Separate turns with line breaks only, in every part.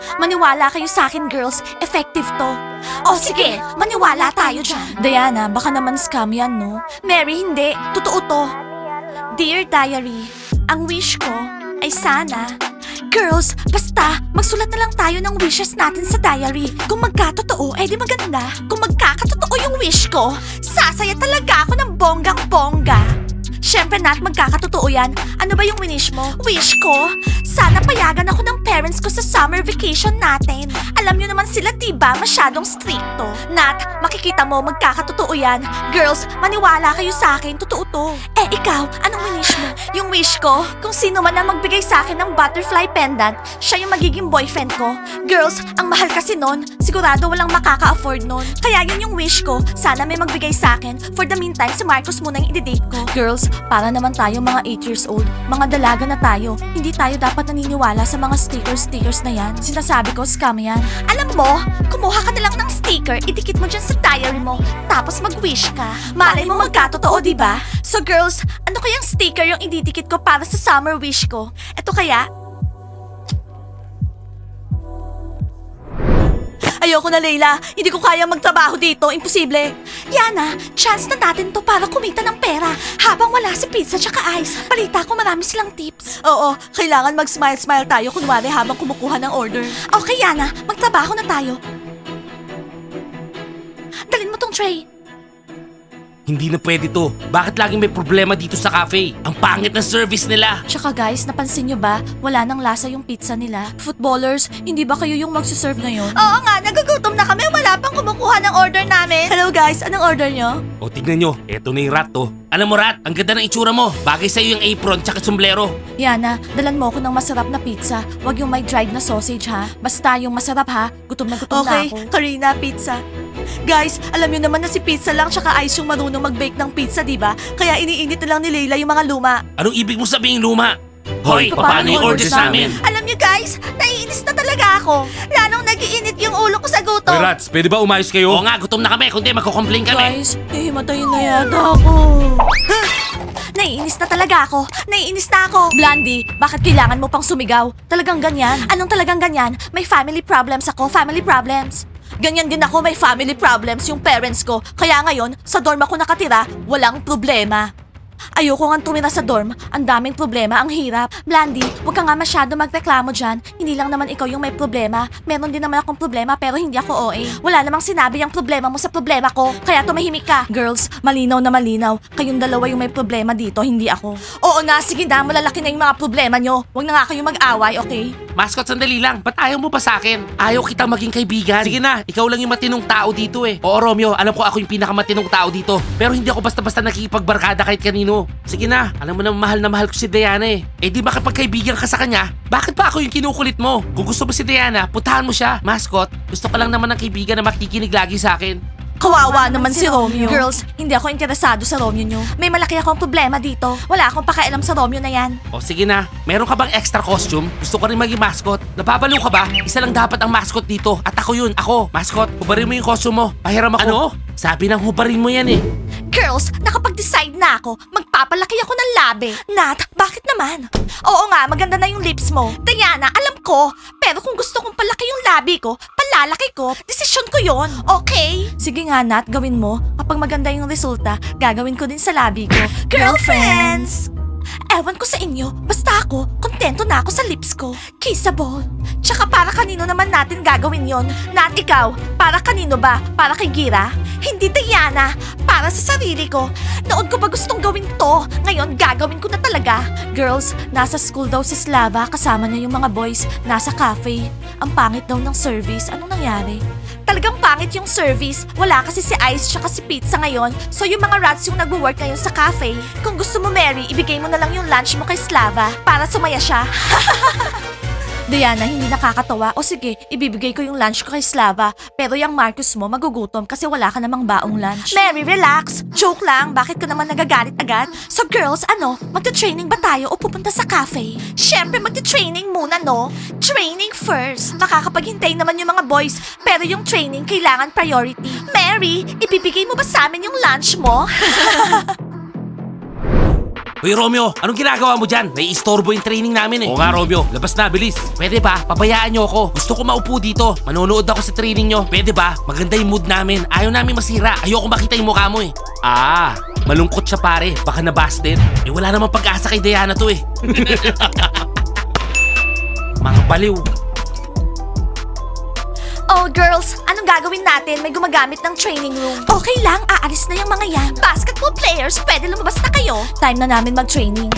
Maniwala kayo sa akin, girls. Effective to. O sige, maniwala tayo dyan. Diana, baka naman scam yan, no? Mary, hindi. Totoo to. Dear Diary, ang wish ko ay sana... Girls, basta, magsulat na lang tayo ng wishes natin sa diary. Kung magkatotoo, edi maganda. Kung magkakatotoo yung wish ko, sasaya talaga ako ng bonggang-bongga. Siyempre, Nat, magkakatotoo yan. Ano ba yung wish mo? Wish ko? Sana payagan ako ng parents ko sa summer vacation natin. Alam nyo naman sila, diba? Masyadong stricto. Nat, makikita mo, magkakatotoo yan. Girls, maniwala kayo sa akin. Totoo to. Eh, ikaw, anong wish mo? Yung wish ko, kung sino man ang magbigay sa akin ng butterfly pendant, siya yung magiging boyfriend ko. Girls, ang mahal kasi nun. Sigurado walang makaka-afford nun. Kaya yun yung wish ko. Sana may magbigay sa akin. For the meantime, si Marcos muna yung i-date ko. Girls, para naman tayo mga 8 years old. Mga dalaga na tayo. Hindi tayo dapat naniniwala sa mga stickers na yan. Sinasabi ko, scam yan. Alam mo, kumuha ka na lang ng sticker, idikit mo dyan sa diary mo, tapos mag-wish ka. Malay mo magkatotoo, diba? So girls, ano kayang sticker yung ididikit ko para sa summer wish ko? Ito kaya? Ayoko na, Leila. Hindi ko kaya magtrabaho dito. Imposible. Yana, chance na natin to para kumita ng pera. Habang wala si Pizza tsaka Ice, balita ko marami silang tips. Oo, kailangan mag-smile-smile tayo kunwari habang kumukuha ng order. Okay, Yana. Magtrabaho na tayo. Dalin mo tong tray.
Hindi na pwede to. Bakit laging may problema dito sa cafe? Ang pangit ng service nila.
Tsaka guys, napansin nyo ba? Wala nang lasa yung pizza nila. Footballers, hindi ba kayo yung magsiserve ngayon? Oo nga, nagugutom na kami. Wala pang kumukuha ng order namin. Hello guys, anong order nyo?
O tignan nyo, eto na yung rat to. Alam mo rat, ang ganda ng itsura mo. Bagay sa'yo yung apron tsaka sombrero.
Yana, dalan mo ako ng masarap na pizza. Huwag yung may dried na sausage ha. Basta yung masarap ha. Gutom na gutom na ako. Okay, Karina, pizza. Guys, alam nyo naman na si Pizza lang tsaka Ice yung marunong mag-bake ng pizza, di ba? Kaya iniinit na lang ni Leila yung mga luma.
Anong ibig mo sabihin luma? Hoy,
paano
paano yung orders namin?
Alam nyo guys, naiinis na talaga ako. Lalong nagiinit yung ulo ko sa gutom.
Hoy rats, pwede ba umayos kayo? Oo nga, gutom na kami. Kundi magko-complain kami.
Guys, hihimatayin na yata ako. Naiinis na talaga ako. Naiinis na ako. Blondie, bakit kailangan mo pang sumigaw? Talagang ganyan? Anong talagang ganyan? May family problems ako, family problems. Ganyan din ako, may family problems yung parents ko. Kaya ngayon, sa dorm ako nakatira, walang problema. Ayoko nga tumira sa dorm. Ang daming problema, ang hirap. Blandy, huwag ka nga masyado magreklamo dyan. Hindi lang naman ikaw yung may problema. Meron din naman akong problema pero hindi ako OA. Wala namang sinabi yung problema mo sa problema ko. Kaya tumahimik ka. Girls, malinaw na malinaw. Kayong dalawa yung may problema dito, hindi ako. Oo nga, sige na, malalaki na yung mga problema nyo. Huwag na nga kayong mag-away, okay?
Mascot, sandali lang. Ba't ayaw mo pa sa akin? Ayaw kita maging kaibigan. Sige na, ikaw lang yung matinong tao dito eh. Oo, Romeo, alam ko ako yung pinakamatinong tao dito. Pero hindi ako basta-basta nakikipagbarkada kahit kanino. Sige na, alam mo na mahal ko si Diana eh. Eh di ba kapag kaibigan ka sa kanya, bakit pa ako yung kinukulit mo? Kung gusto mo si Diana, putahan mo siya. Mascot, gusto ka lang naman ng kaibigan na makikinig lagi sa akin.
Kawawa naman si Romeo. Girls, hindi ako interesado sa Romeo nyo. May malaki akong problema dito. Wala akong pakialam sa Romeo na yan.
O sige na, meron ka bang extra costume? Gusto ko rin maging mascot. Napabalo ka ba? Isa lang dapat ang mascot dito. At ako yun, ako. Mascot, hubarin mo yung costume mo. Pahiram ako. Ano? Sabi ng hubarin mo yan eh.
Girls, nakapag-decide na ako. Magpapalaki ako ng labi. Nat, bakit naman? Oo nga, maganda na yung lips mo. Diana, alam ko. Pero kung gusto kong palaki yung labi ko, palalaki ko, desisyon ko yon. Okay? Sige nga, Nat, gawin mo. Kapag maganda yung resulta, gagawin ko din sa labi ko. Girlfriends! Ewan ko sa inyo, basta ako, kontento na ako sa lips ko. Kissable. Tsaka para kanino naman natin gagawin yon? Nat, ikaw, para kanino ba? Para kay Gira? Hindi, Diana. Para sa sarili ko. Noon ko ba gustong gawin to? Ngayon, gagawin ko na talaga. Girls, nasa school daw si Slava, kasama niya yung mga boys. Nasa cafe. Ang pangit daw ng service. Anong nangyari? Talagang pangit yung service. Wala kasi si Ice tsaka si Pizza ngayon. So yung mga rats yung nagwo-work ngayon sa cafe. Kung gusto mo, Mary, ibigay mo na lang yung lunch mo kay Slava para sumaya siya. Diana, hindi nakakatawa. O sige, ibibigay ko yung lunch ko kay Slava. Pero yung Marcus mo, magugutom kasi wala ka namang baong lunch. Mary, relax. Joke lang. Bakit ka naman nagagalit agad? So girls, ano? Magta-training ba tayo o pupunta sa cafe? Siyempre, magta-training muna, no? Training first. Makakapaghintay naman yung mga boys. Pero yung training, kailangan priority. Mary, ibibigay mo ba sa amin yung lunch mo?
Hoy Romeo, anong ginagawa mo dyan? Naiistorbo yung training namin eh. Oo nga Romeo, labas na, bilis. Pwede ba? Pabayaan nyo ako. Gusto ko maupo dito. Manonood ako sa training nyo. Pwede ba? Maganda yung mood namin. Ayaw namin masira. Ayoko makita yung mukha mo eh. Ah, malungkot siya pare. Baka nabasted. Eh wala namang pag-asa kay Diana to eh. Mga baliw.
Oh, girls, anong gagawin natin? May gumagamit ng training room. Okay lang, aalis na yung mga yan. Basketball players, pwede lumabas na kayo. Time na namin mag-training.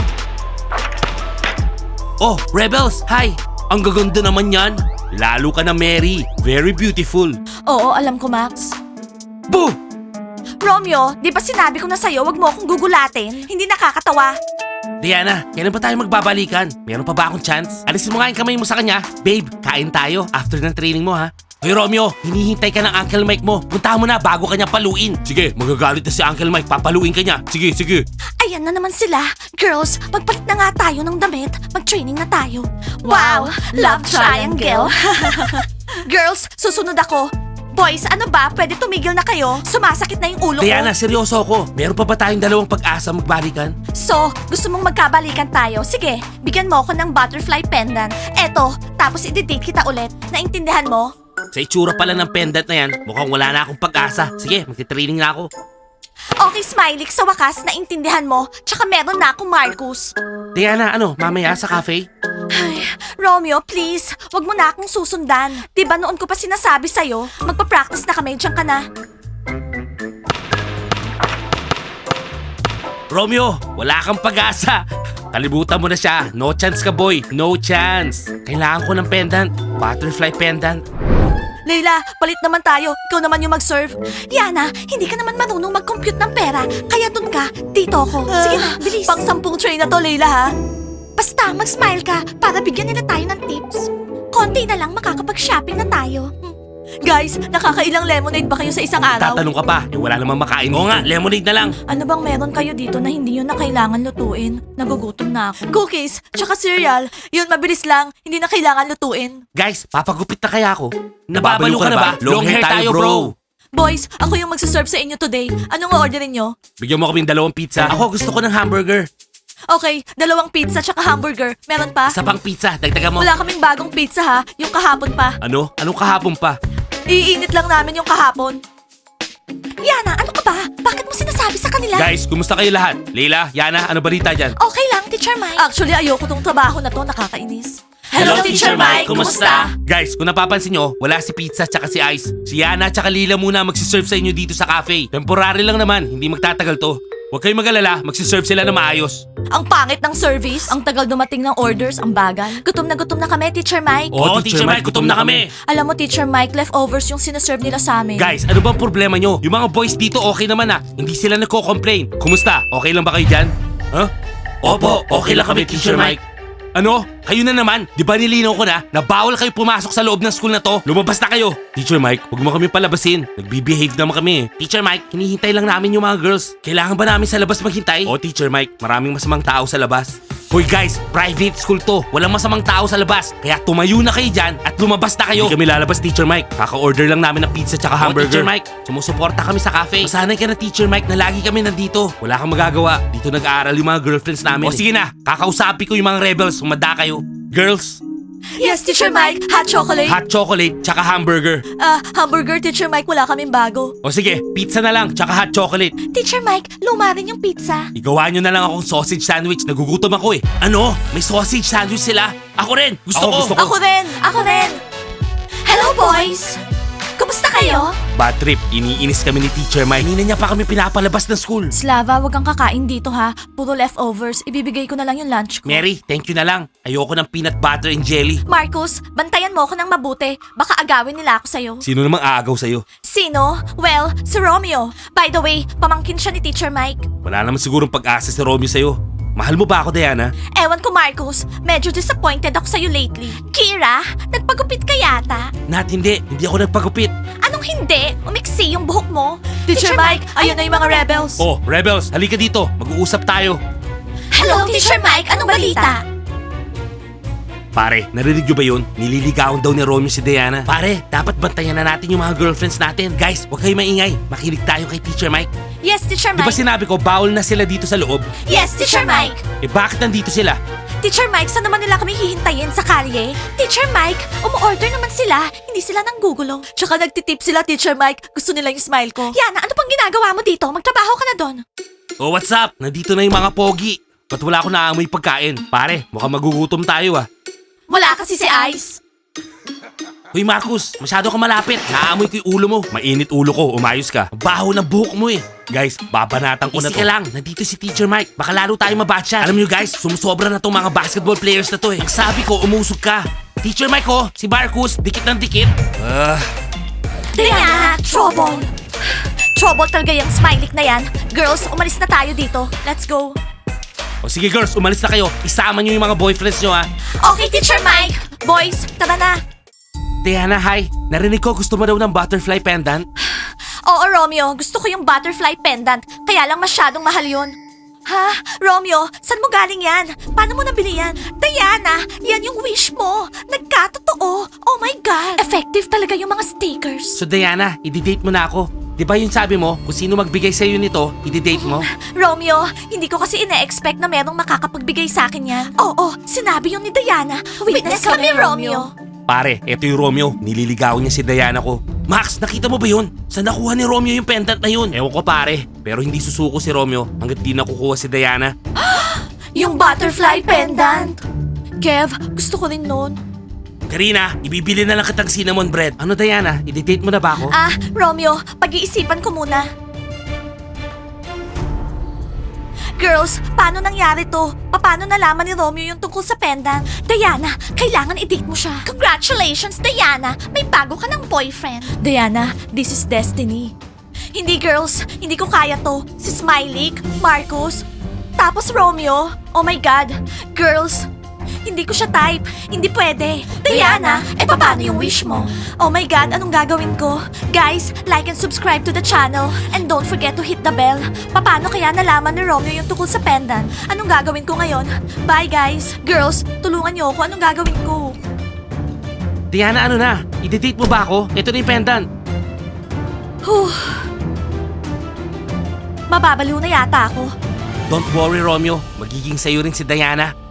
Oh, Rebels, hi! Ang gaganda naman yan. Lalo ka na Mary. Very beautiful.
Oo, alam ko, Max.
Boo!
Romeo, di ba sinabi ko na sa'yo, wag mo akong gugulatin? Hindi nakakatawa.
Diana, kailan pa tayo magbabalikan? Meron pa ba akong chance? Alisin mo nga yung kamay mo sa kanya. Babe, kain tayo after ng training mo ha. Hoy Romeo, hinihintay ka ng Uncle Mike mo. Puntahan mo na bago ka niya paluin. Sige, magagalit na si Uncle Mike. Papaluin ka niya. Sige, sige.
Ayan na naman sila. Girls, magpalit na nga tayo ng damit. Mag-training na tayo. Wow, love triangle. Girls, susunod ako. Boys, ano ba? Pwede tumigil na kayo? Sumasakit na yung ulo ko.
Diana, seryoso ako. Meron pa ba tayong dalawang pag-asa magbalikan?
So, gusto mong magkabalikan tayo? Sige, bigyan mo ako ng butterfly pendant. Eto, tapos i-date kita ulit. Naintindihan mo?
Sa itsura pala ng pendant na yan, mukhang wala na akong pag-asa. Sige, magti-training na ako.
Okay, Smiley, sa wakas, naintindihan mo. Tsaka meron na akong Marcus.
Diana, ano, mamaya sa cafe?
Ay, Romeo, please, wag mo na akong susundan. Diba noon ko pa sinasabi sa'yo, magpa-practice na kami, diyan ka na.
Romeo, wala kang pag-asa. Kalibutan mo na siya. No chance ka boy, no chance. Kailangan ko ng pendant. Butterfly pendant.
Leila, palit naman tayo. Ikaw naman yung mag-serve. Yana, hindi ka naman marunong mag-compute ng pera. Kaya dun ka, dito ako. Sige na, bilis. Pang 10 tray na to, Leila, ha? Basta, mag-smile ka para bigyan nila tayo ng tips. Konti na lang makakapag-shopping na tayo. Guys, nakakailang lemonade ba kayo sa isang araw?
Tatanong ka pa, eh wala namang makain. Oo nga, lemonade na lang.
Ano bang meron kayo dito na hindi nyo na kailangan lutuin? Nagugutom na ako. Cookies, tsaka cereal. Yun, mabilis lang. Hindi na kailangan lutuin.
Guys, papagupit na kaya ako. Nababalo ka na ba? Long hair tayo bro.
Boys, ako yung magsaserve sa inyo today. Anong orderin nyo?
Bigyan mo kaming 2 pizza. Ako gusto ko ng hamburger.
Okay, 2 pizza tsaka hamburger. Meron pa?
Isa pang pizza, dagdagan mo.
Wala kaming bagong pizza ha. Yung kahapon pa.
Ano? Anong kahapon pa?
Iinit lang namin yung kahapon. Yana, ano ka ba? Bakit mo sinasabi sa kanila?
Guys, kumusta kayo lahat? Leila, Yana, ano balita dyan?
Okay lang, Teacher Mike. Actually, ayoko tong trabaho na to. Nakakainis.
Guys, kung napapansin nyo, wala si Pizza tsaka si Ice. Si Yana tsaka Lila muna magsiserve sa inyo dito sa cafe. Temporary lang naman, hindi magtatagal to. Huwag kayong mag-alala, magsiserve sila na maayos.
Ang pangit ng service. Ang tagal dumating ng orders, ang bagal. Gutom na kami, Teacher Mike.
Oo, Teacher Mike, gutom na kami.
Alam mo, Teacher Mike, leftovers yung sinaserve nila sa amin.
Guys, ano bang problema nyo? Yung mga boys dito okay naman ah. Hindi sila nagko-complain. Kumusta? Okay lang ba kayo dyan? Huh? Opo, okay lang kami, Teacher Mike. Ano? Kayo na naman? Di ba nilinaw ko na bawal kayo pumasok sa loob ng school na to? Lumabas na kayo! Teacher Mike, huwag mo kami palabasin. Nagbe-behave naman kami eh. Teacher Mike, hinihintay lang namin yung mga girls. Kailangan ba namin sa labas maghintay? Oo, Teacher Mike, maraming masamang tao sa labas. Hoy guys, private school to. Walang masamang tao sa labas. Kaya tumayo na kayo dyan at lumabas na kayo. Hindi kami lalabas, Teacher Mike. Kaka-order lang namin ng pizza tsaka hamburger. Teacher Mike, sumusuporta kami sa cafe. Masanay ka na, Teacher Mike, na lagi kami nandito. Wala kang magagawa. Dito nag-aaral yung mga girlfriends namin. O sige na, kakausapin ko yung mga rebels. Sumada kayo. Girls,
Yes, Teacher Mike. Hot chocolate.
hot chocolate tsaka hamburger.
Hamburger, Teacher Mike. Wala kaming bago.
O sige, pizza na lang tsaka hot chocolate.
Teacher Mike, luma rin yung pizza.
Igawa nyo na lang akong sausage sandwich. Nagugutom ako eh. Ano? May sausage sandwich sila? Ako rin. Gusto ko.
Ako rin. Ako rin. Hello, boys. Kumusta kayo?
Bad trip. Iniinis kami ni Teacher Mike. Kanina niya pa kami pinapalabas ng school.
Slava, wag kang kakain dito ha. Puro leftovers. Ibibigay ko na lang yung lunch ko.
Mary, thank you na lang. Ayoko ng peanut butter and jelly.
Marcus, bantayan mo ako ng mabuti. Baka agawin nila ako sa'yo.
Sino namang aagaw sa'yo?
Sino? Well, si Romeo. By the way, pamangkin siya ni Teacher Mike.
Wala naman sigurong pag-asa si Romeo sa'yo. Mahal mo ba ako, Diana?
Ewan ko, Marcus. Medyo disappointed ako sa'yo lately. Kira, nagpagupit ka yata.
Nat, hindi. Hindi ako nagpagupit.
Anong hindi? Umiksi yung buhok mo. Teacher Mike, ayun na yung mga rebels.
Oh, rebels, halika dito. Mag-uusap tayo.
Hello, Teacher Mike. Anong balita?
Pare, narinig nyo ba yun? Nililigawan daw ni Romeo si Diana. Pare, dapat bantayan na natin yung mga girlfriends natin. Guys, huwag kayo maingay. Makinig tayo kay Teacher Mike.
Yes, Teacher
Di ba
Mike.
sinabi ko, bawal na sila dito sa loob?
Yes, Teacher Mike.
Eh bakit nandito sila?
Teacher Mike, saan naman nila kami hihintayin sa kalye? Teacher Mike, umu-order naman sila. Hindi sila nanggugulo. Tsaka nagtitip sila, Teacher Mike. Gusto nila yung smile ko. Yana, ano pang ginagawa mo dito? Magtrabaho ka na doon.
Oh, what's up? Nandito na yung mga pogi. Ba't wala ako naamoy pagkain? Pare, mukhang magugutom tayo ah.
Wala kasi si Ice.
Hoy Marcus, masyado ka malapit. Naamoy ko yung ulo mo. Mainit ulo ko, umayos ka. Ang baho ng buhok mo eh. Guys, babanatan ko na to. Easy ka lang, nandito si Teacher Mike. Baka lalo tayo mabatcha. Alam nyo guys, sumusobra na tong mga basketball players na to eh. Ang sabi ko, umusog ka. Teacher Mike oh, si Marcus, dikit ng dikit.
Diana, trouble. Trouble talaga yung smiley na yan. Girls, umalis na tayo dito. Let's go.
O sige girls, umalis na kayo. Isama nyo yung mga boyfriends nyo ha.
Okay, Teacher Mike. Boys, tara na.
Diana, hi. Narinig ko gusto mo daw ng butterfly pendant.
Oo, Romeo. Gusto ko yung butterfly pendant. Kaya lang masyadong mahal yun. Ha? Romeo, saan mo galing yan? Paano mo nabili yan? Diana, yan yung wish mo. Nagkatotoo. Oh my God. Effective talaga yung mga stickers.
So Diana, i-date mo na ako. Di ba yung sabi mo, kung sino magbigay sa'yo nito, i-date mo?
Romeo, hindi ko kasi ine-expect na merong makakapagbigay sa akin yan. Oo, sinabi yun ni Diana. Witness kami, Romeo.
Pare, eto yung Romeo. Nililigawan niya si Diana ko. Max, nakita mo ba yun? Saan nakuha ni Romeo yung pendant na yun? Ewan ko pare, pero hindi susuko si Romeo hanggat di nakukuha si Diana.
Yung butterfly pendant. Kev, gusto ko rin nun.
Karina, ibibili na lang kitang cinnamon bread. Ano Diana, i-date mo na ba ako?
Ah, Romeo, pag-iisipan ko muna. Girls, paano nangyari to? Paano nalaman ni Romeo yung tungkol sa pendant? Diana, kailangan i-date mo siya. Congratulations, Diana! May bago ka ng boyfriend. Diana, this is destiny. Hindi girls, hindi ko kaya to. Si Smiley, Marcus, tapos Romeo. Oh my God. Girls, hindi ko siya type. Hindi pwede. Diana, paano yung wish mo? Oh my God, anong gagawin ko? Guys, like and subscribe to the channel. And don't forget to hit the bell. Paano kaya nalaman ni Romeo yung tungkol sa pendant? Anong gagawin ko ngayon? Bye guys. Girls, tulungan niyo ako. Anong gagawin ko?
Diana, ano na? I-date mo ba ako? Ito na yung pendant.
Whew. Mababaliw na yata ako.
Don't worry Romeo, magiging sa'yo rin si Diana.